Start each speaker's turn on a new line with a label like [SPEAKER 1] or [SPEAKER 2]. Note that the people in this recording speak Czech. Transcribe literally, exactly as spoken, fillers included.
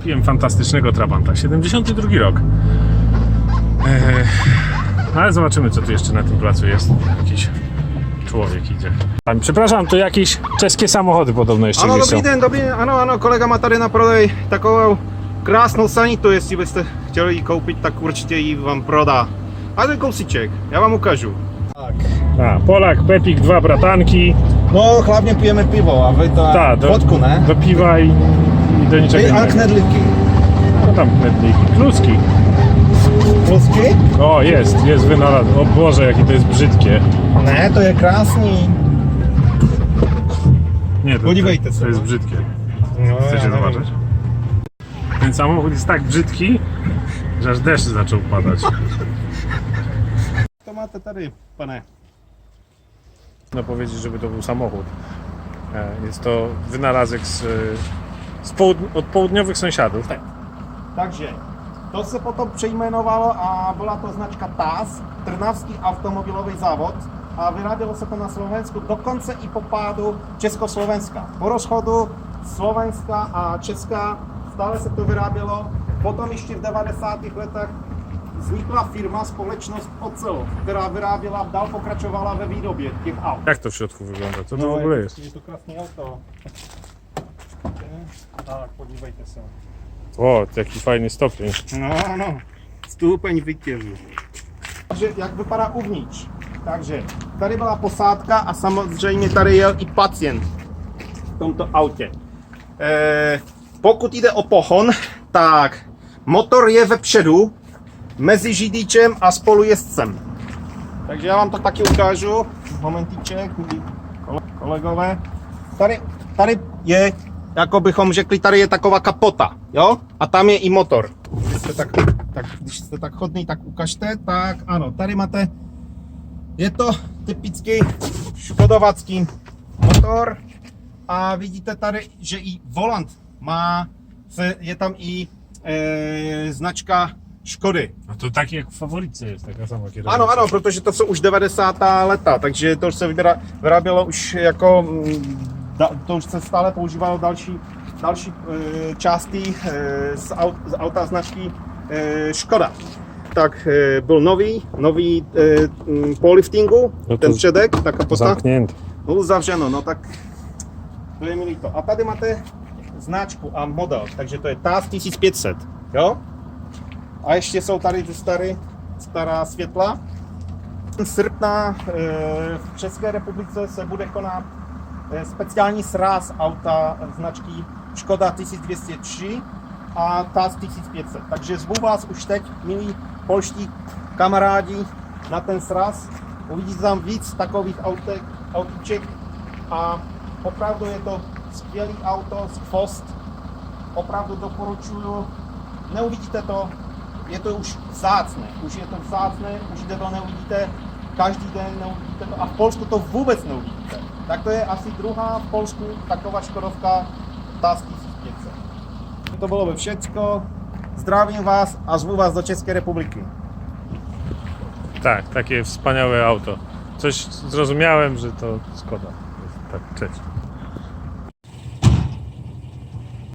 [SPEAKER 1] kupiłem fantastycznego Trabanta, siedemdziesiąty drugi rok. Eee, ale zobaczymy, co tu jeszcze na tym placu jest. Jakiś człowiek idzie. Przepraszam, tu jakieś czeskie samochody podobno jeszcze
[SPEAKER 2] Ano,
[SPEAKER 1] wiszą.
[SPEAKER 2] dobrý den, dobrý den, ano, ano, kolega má tady na prodej takovou krásnou sanitu, jestli byste chtěli ji koupit, tak určitě ji vám prodá. A ten kousíček, já vám ukážu. Tak.
[SPEAKER 1] A, Polak, Pepik, dwa bratanki.
[SPEAKER 2] No, hlavně pijeme pivo, a vy to
[SPEAKER 1] Ta, do,
[SPEAKER 2] vodku, ne?
[SPEAKER 1] do piwa i, i do niczego
[SPEAKER 2] Ej, a
[SPEAKER 1] innego.
[SPEAKER 2] knedlivky.
[SPEAKER 1] No tam knedliki, kluski.
[SPEAKER 2] Kluski?
[SPEAKER 1] O, jest, jest wynalazł. O Boże, jakie to jest brzydkie.
[SPEAKER 2] Ne, to je krásný.
[SPEAKER 1] Nie, to,
[SPEAKER 2] Podívejte
[SPEAKER 1] to,
[SPEAKER 2] se,
[SPEAKER 1] to jest
[SPEAKER 2] no.
[SPEAKER 1] brzydkie.
[SPEAKER 2] No,
[SPEAKER 1] Chcecie
[SPEAKER 2] ja
[SPEAKER 1] zobaczyć?
[SPEAKER 2] nevím.
[SPEAKER 1] Ten samochód jest tak brzydki, że aż deszcz zaczął padać.
[SPEAKER 2] To máte tady, pane.
[SPEAKER 1] No powiedzieć, żeby to był samochód. E, Jest to wynalazek z, z połud- od południowych sąsiadów.
[SPEAKER 2] Takže to se potom přejmenovalo a byla to značka T A S, Trnavský automobilový závod, a vyrábělo se to na Slovensku dokonce i po pádu Československa. Po rozchodu Slovenska a Česka stále se to vyrábělo. Potom ještě v devadesátých letech vznikla firma, společnost Ocelot, která vyráběla, dál pokračovala ve výrobě těch aut.
[SPEAKER 1] Jak to w środku wygląda? Co to
[SPEAKER 2] No,
[SPEAKER 1] w ogóle jest?
[SPEAKER 2] je to krásné auto. Tak, podívejte se.
[SPEAKER 1] O, jaki fajny stopień.
[SPEAKER 2] No, no, stupeň vítězů. Takže jak vypadá uvnitř? Takže tady byla posádka a samozřejmě tady jel i pacient v tomto autě. E, pokud jde o pohon, tak motor je vepředu mezi řidičem a spolujezdcem. Takže já vám to taky ukážu. Momentíček, milí kolegové. Tady, tady je, jako bychom řekli, tady je taková kapota, jo? A tam je i motor. Když jste tak, tak, když jste tak chodný, tak ukažte. Tak ano, tady máte, je to typický škodovacký motor. A vidíte tady, že i volant má, je tam i e, značka Škody.
[SPEAKER 1] No to tak jak w faworyce jest, taka sama kierownica.
[SPEAKER 2] Ano, ano, protože to jsou už devadesátá leta, takže to už se vyběra, vyrábělo už jako, mm, da, to už se stále používalo další, další e, části e, z, aut, z auta značky e, Škoda. Tak e, byl nový, nový e, m, po liftingu,
[SPEAKER 1] No to
[SPEAKER 2] ten předek, ta kapota.
[SPEAKER 1] Zamknięty.
[SPEAKER 2] Bylo zavřeno, no tak to je milý to. A tady máte značku a model, takže to je T A S tisíc pět set, jo? A ještě jsou tady ty starý, stará světla. Srpna e, v České republice se bude konat e, speciální sráz auta značky Škoda tisíc dvě stě tři a T A S tisíc pět set. Takže zvu vás už teď, milí polští kamarádi, na ten sraz. Uvidíte tam víc takových autek, autíček a opravdu je to skvělý auto, skvost. Opravdu doporučuju. Neuvidíte to, je to už vzácné, už je to vzácné, už to neuvidíte každý den, neuvidíte to a v Polsku to vůbec neuvidíte. Tak to je asi druhá v Polsku taková škodovka T A S tisíc pět set. To bylo všecko, zdravím vás a zvu vás do České republiky.
[SPEAKER 1] Tak, takie wspaniałe auto. Coś zrozumiałem, że to Skoda. Tak, cześć.